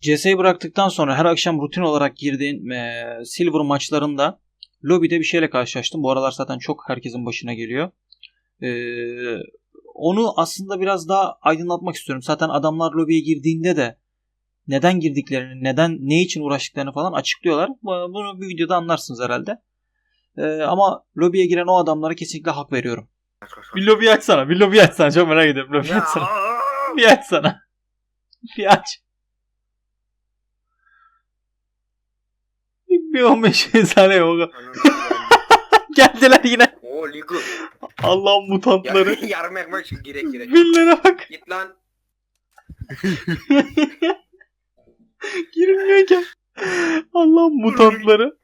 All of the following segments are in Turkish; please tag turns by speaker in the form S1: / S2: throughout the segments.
S1: CS'yi bıraktıktan sonra her akşam rutin olarak girdiğin Silver maçlarında lobide bir şeyle karşılaştım. Bu aralar zaten çok herkesin başına geliyor. Onu aslında biraz daha aydınlatmak istiyorum. Zaten adamlar lobiye girdiğinde de neden girdiklerini, ne için uğraştıklarını falan açıklıyorlar. Bunu bir videoda anlarsınız herhalde. Ama lobiye giren o adamlara kesinlikle hak veriyorum. Bir lobi açsana. Bir lobi açsana. Çok merak ediyorum. Lobi açsana. Bir açsana. Bir aç. Bir 15 saniye yok. Geldiler yine.
S2: Oo Ligu.
S1: Allah'ın mutantları.
S2: Yarım ekmek girek.
S1: Billere bak.
S2: Git lan.
S1: Girilmiyor ki. Allah'ın mutantları.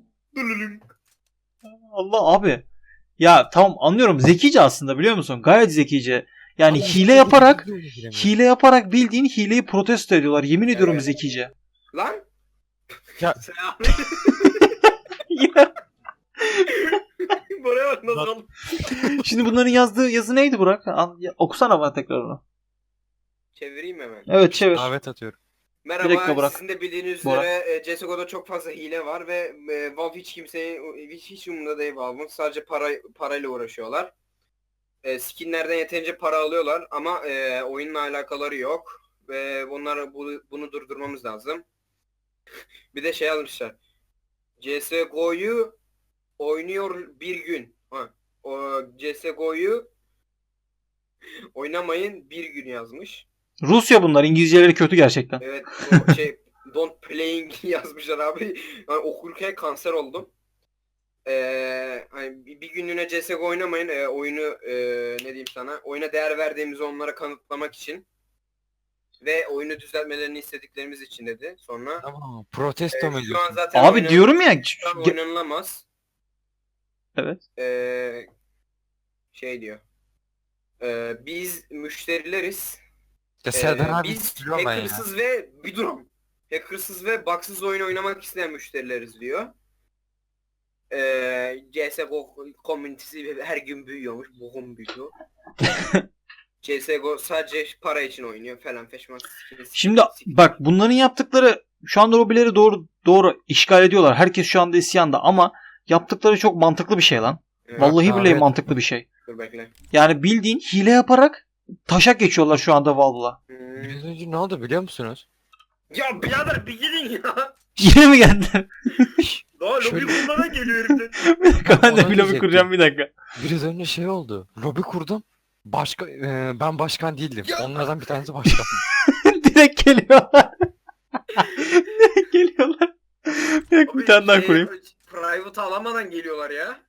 S1: Allah abi. Ya tamam anlıyorum. Zekice aslında biliyor musun? Gayet zekice. Yani hile yaparak bildiğin hileyi protesto ediyorlar. Yemin ediyorum
S2: Evet.
S1: zekice.
S2: Lan.
S3: Ya.
S2: Selam.
S1: Yine.
S2: Buraya bak nasıl oldu?
S1: Şimdi bunların yazdığı yazı neydi Burak? Okusana bana tekrar onu.
S2: Çevireyim hemen.
S1: Evet çevir.
S3: Davet atıyorum.
S1: Bir dakika
S2: Merhaba,
S1: Burak.
S2: sizin de bildiğiniz
S1: Burak.
S2: üzere CSGO'da çok fazla hile var ve Valve hiç umurunda değil Valve'ın. Sadece parayla uğraşıyorlar. Skinlerden yeterince para alıyorlar ama oyunla alakaları yok. Ve bunu durdurmamız lazım. Bir de şey almışlar. CSGO'yu oynuyor bir gün. O CSGO'yu oynamayın bir gün yazmış.
S1: Rusya bunlar. İngilizceleri kötü gerçekten.
S2: Evet, o don't playing yazmışlar abi. Yani okurken kanser oldum. Hani bir günlüğüne CSGO oynamayın. Oyunu ne diyeyim sana? Oyuna değer verdiğimizi onlara kanıtlamak için ve oyunu düzeltmelerini istediklerimiz için dedi. Sonra
S3: Tamam. Protesto mu
S2: şu an
S3: ediyorsun?
S2: zaten
S1: Abi diyorum ya.
S2: şu an oynanılamaz.
S1: Evet.
S2: Şey diyor. Biz müşterileriz.
S3: Ya Serdar abi
S2: Biz
S3: biliyorum ben ya.
S2: hackersız ve bir durum. Hackersız ve bugsız oyun oynamak isteyen müşterileriz diyor. CSGO komünitesi her gün büyüyormuş. Boğum büyüyor. CSGO sadece para için oynuyor falan feşman.
S1: Şimdi bak bunların yaptıkları şu anda lobileri doğru işgal ediyorlar. Herkes şu anda isyanda ama yaptıkları çok mantıklı bir şey lan. Vallahi billahi
S3: evet.
S1: mantıklı bir şey.
S2: Dur bekle.
S1: Yani bildiğin hile yaparak taşak geçiyorlar şu anda Valve'la.
S3: Biraz önce ne oldu biliyor musunuz?
S2: Ya birader bir gidin ya.
S1: Yine mi geldiler?
S2: Daha lobi
S3: Şöyle-
S2: kurmadan geliyor herifler.
S1: Bir dakika ben de
S3: Ona
S1: bir lobi
S3: diyecektim.
S1: kuracağım bir dakika.
S3: Biraz önce şey oldu. Lobi kurdum. Ben başkan değildim.
S2: Ya.
S3: Onlardan bir tanesi başkan.
S1: Direkt geliyorlar. Direkt geliyorlar. Bir dakika bir tane daha kurayım.
S2: Private alamadan geliyorlar ya.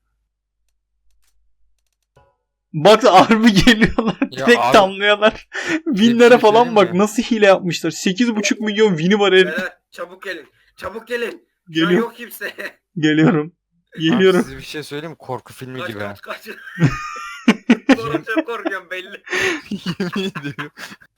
S1: Bak harbi geliyorlar.
S3: Ya
S1: Direkt
S3: abi-
S1: tamlıyorlar. Winlere
S3: şey
S1: falan
S3: söyleyeyim
S1: bak
S3: mi?
S1: nasıl hile yapmışlar. 8,5 milyon win'i var herif.
S2: Beyler çabuk gelin. Çabuk gelin. Şu an
S1: Geliyor.
S2: yok kimse.
S1: Geliyorum.
S3: Abi
S1: Geliyorum.
S3: size bir şey söyleyeyim mi? Korku filmi
S2: Kaç
S3: gibi. ha.
S2: kaç kaç. Sonra çok korkuyorum belli.
S3: Yemin ediyorum.